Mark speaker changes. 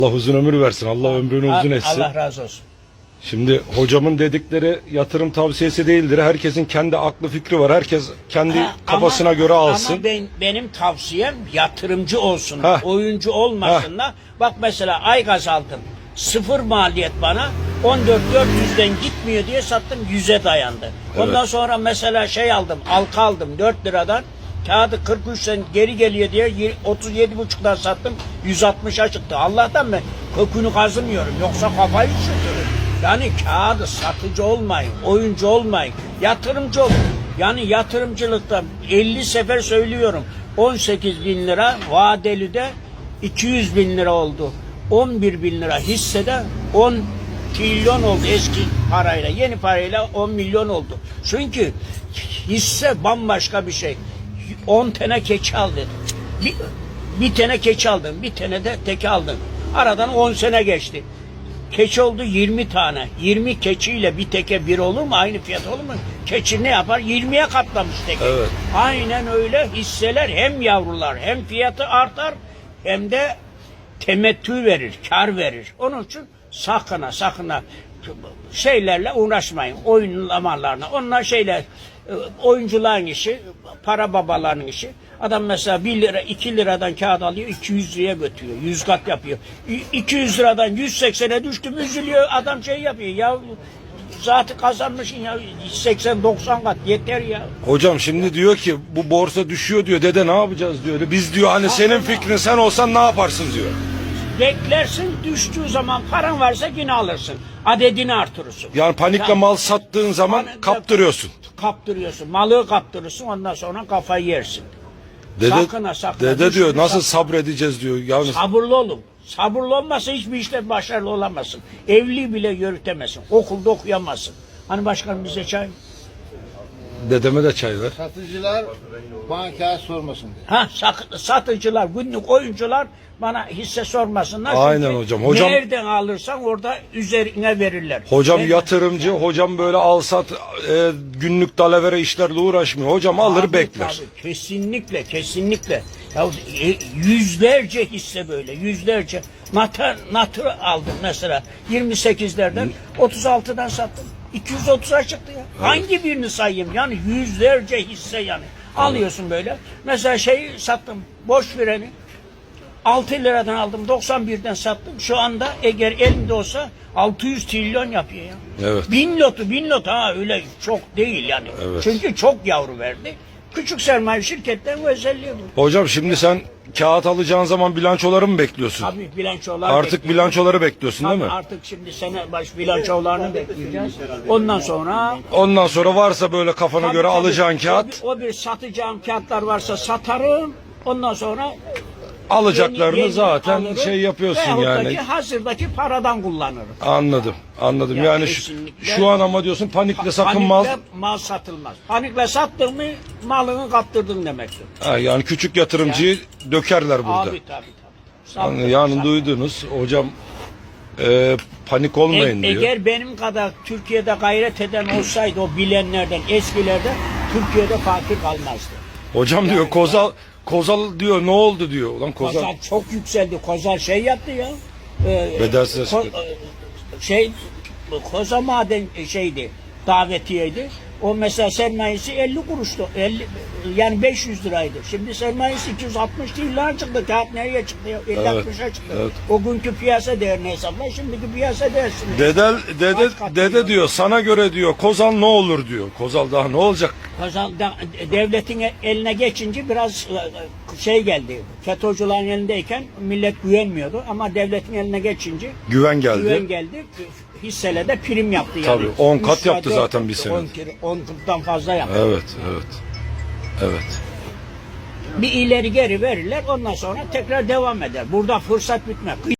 Speaker 1: Allah uzun ömür versin. Allah ömrünü uzun etsin.
Speaker 2: Allah razı olsun.
Speaker 1: Şimdi hocamın dedikleri yatırım tavsiyesi değildir. Herkesin kendi aklı fikri var. Herkes kendi kafasına göre alsın.
Speaker 2: Ama benim tavsiyem yatırımcı olsun. Oyuncu olmasınlar. Bak mesela Aygaz aldım. Sıfır maliyet bana. 14.400'den gitmiyor diye sattım, 100'e dayandı. Ondan sonra mesela şey aldım, halka aldım 4 liradan. Kağıdı 43'ten geri geliyor diye 37,5'dan sattım, 160'a çıktı. Allah'tan ben kökünü kazımıyorum, yoksa kafayı üşütürüm. Yani kağıdı satıcı olmayın, oyuncu olmayın, yatırımcı olun. Yani yatırımcılıkta 50 sefer söylüyorum, 18 bin lira vadeli de 200 bin lira oldu. 11 bin lira hissede 10 trilyon oldu eski parayla. Yeni parayla 10 milyon oldu. Çünkü hisse bambaşka bir şey. 10 tane keçi aldın. Bir tane keçi aldın. Bir tane de teke aldın. Aradan 10 sene geçti. Keçi oldu 20 tane. 20 keçiyle bir teke bir olur mu? Aynı fiyat olur mu? Keçi ne yapar? 20'ye katlamış teke.
Speaker 1: Evet.
Speaker 2: Aynen öyle. Hisseler hem yavrular hem fiyatı artar hem de temettü verir, kar verir. Onun için sakın şeylerle uğraşmayın. Oyunlamalarına. Onlar şeyler, oyuncuların işi, para babalarının işi. Adam mesela 1 lira, 2 liradan kağıt alıyor, 200 liraya götürüyor. 100 kat yapıyor. 200 liradan 180'e düştü mü üzülüyor. Adam şey yapıyor. Ya zaten kazanmışsın ya 80-90 kat yeter ya.
Speaker 1: Hocam şimdi diyor ki bu borsa düşüyor diyor. Dede ne yapacağız diyor. Biz diyor hani senin fikrin, sen olsan ne yaparsın diyor.
Speaker 2: Beklersin, düştüğü zaman paran varsa yine alırsın. Adedini artırırsın.
Speaker 1: Yani panikle mal sattığın zaman kaptırıyorsun.
Speaker 2: Kaptırıyorsun. Malı kaptırırsın, ondan sonra kafayı yersin.
Speaker 1: Dede,
Speaker 2: sakın.
Speaker 1: dede diyor nasıl sabredeceğiz diyor. Yani
Speaker 2: sabırlı olun. Sabırlı olmazsa hiçbir işte başarılı olamazsın. Evliliği bile yürütemezsin. Okulda okuyamazsın. Hani başkanım bize çay?
Speaker 1: dedeme de çay ver.
Speaker 3: Satıcılar bana kağıt sormasın diye.
Speaker 2: Satıcılar, günlük oyuncular bana hisse sormasınlar.
Speaker 1: Aynen
Speaker 2: Çünkü
Speaker 1: hocam.
Speaker 2: nereden alırsan orada üzerine verirler.
Speaker 1: Hocam yatırımcı, hocam böyle al sat günlük dalavere işlerle uğraşmıyor. Hocam alır bekler.
Speaker 2: Tabii, kesinlikle. Ya, yüzlerce hisse böyle, yüzlerce. Natır aldım mesela 28'lerden 36'dan sattım. 230'a çıktı ya. Hangi birini sayayım? Yani yüzlerce hisse yani. Alıyorsun böyle. Mesela şeyi sattım, boş vereni. 6 liradan aldım, 91'den sattım. Şu anda eğer elimde olsa 600 trilyon yapıyor ya.
Speaker 1: Evet.
Speaker 2: 1000 lot ha, öyle çok değil yani.
Speaker 1: Evet.
Speaker 2: Çünkü çok yavru verdi. Küçük sermaye şirketlerin özelliği bu.
Speaker 1: Hocam şimdi sen kağıt alacağın zaman bilançoları mı bekliyorsun?
Speaker 2: Tabii bilançolar
Speaker 1: Artık
Speaker 2: bekliyoruz.
Speaker 1: bilançoları bekliyorsun değil mi?
Speaker 2: Artık şimdi sene baş bilançolarını bekleyeceğiz. Ondan sonra
Speaker 1: Ondan sonra varsa böyle kafana göre
Speaker 2: tabii,
Speaker 1: alacağın kağıt,
Speaker 2: o bir satacağım kağıtlar varsa satarım. Ondan sonra
Speaker 1: alacaklarını
Speaker 2: yeni
Speaker 1: zaten
Speaker 2: alırım.
Speaker 1: şey yapıyorsun
Speaker 2: Veyahut da
Speaker 1: yani.
Speaker 2: ki hazırdaki paradan kullanırım.
Speaker 1: Anladım.
Speaker 2: Ya
Speaker 1: Yani
Speaker 2: kesinlikle.
Speaker 1: şu an ama diyorsun panikle sakın mal.
Speaker 2: Panikle mal satılmaz. Panikle sattın mı malını kaptırdın demektir.
Speaker 1: Yani küçük yatırımcıyı dökerler burada.
Speaker 2: Tabii.
Speaker 1: Yani duydunuz hocam, panik olmayın diyor.
Speaker 2: Eğer benim kadar Türkiye'de gayret eden olsaydı o bilenlerden, eskilerden, Türkiye'de fakir kalmazdı.
Speaker 1: Hocam diyor Kozal diyor ne oldu diyor. Ulan
Speaker 2: Kozal çok yükseldi. Kozal şey yaptı ya.
Speaker 1: Bedelsiz
Speaker 2: Koza maden şeydi, davetiyeydi. O mesela sermayesi 50 kuruştu. Yani 500 liraydı. Şimdi sermayesi 260 lira çıktı. Kağıt nereye çıktı? 50-60'a çıktı.
Speaker 1: evet.
Speaker 2: O günkü piyasa değerini hesapla. Şimdiki piyasa değersini.
Speaker 1: Dede diyor sana göre diyor Kozal ne olur diyor. Kozal daha ne olacak?
Speaker 2: Kozal devletin eline geçince biraz şey geldi. FETÖ'cülerin elindeyken millet güvenmiyordu. Ama devletin eline geçince
Speaker 1: Güven geldi.
Speaker 2: Hisselerde prim yaptı yani.
Speaker 1: Tabii 10 kat
Speaker 2: 3
Speaker 1: yaptı
Speaker 2: dört
Speaker 1: zaten bir sene.
Speaker 2: 10 kattan fazla yaptı.
Speaker 1: Evet.
Speaker 2: Bir ileri geri verirler, ondan sonra tekrar devam eder. Burada fırsat bitmez.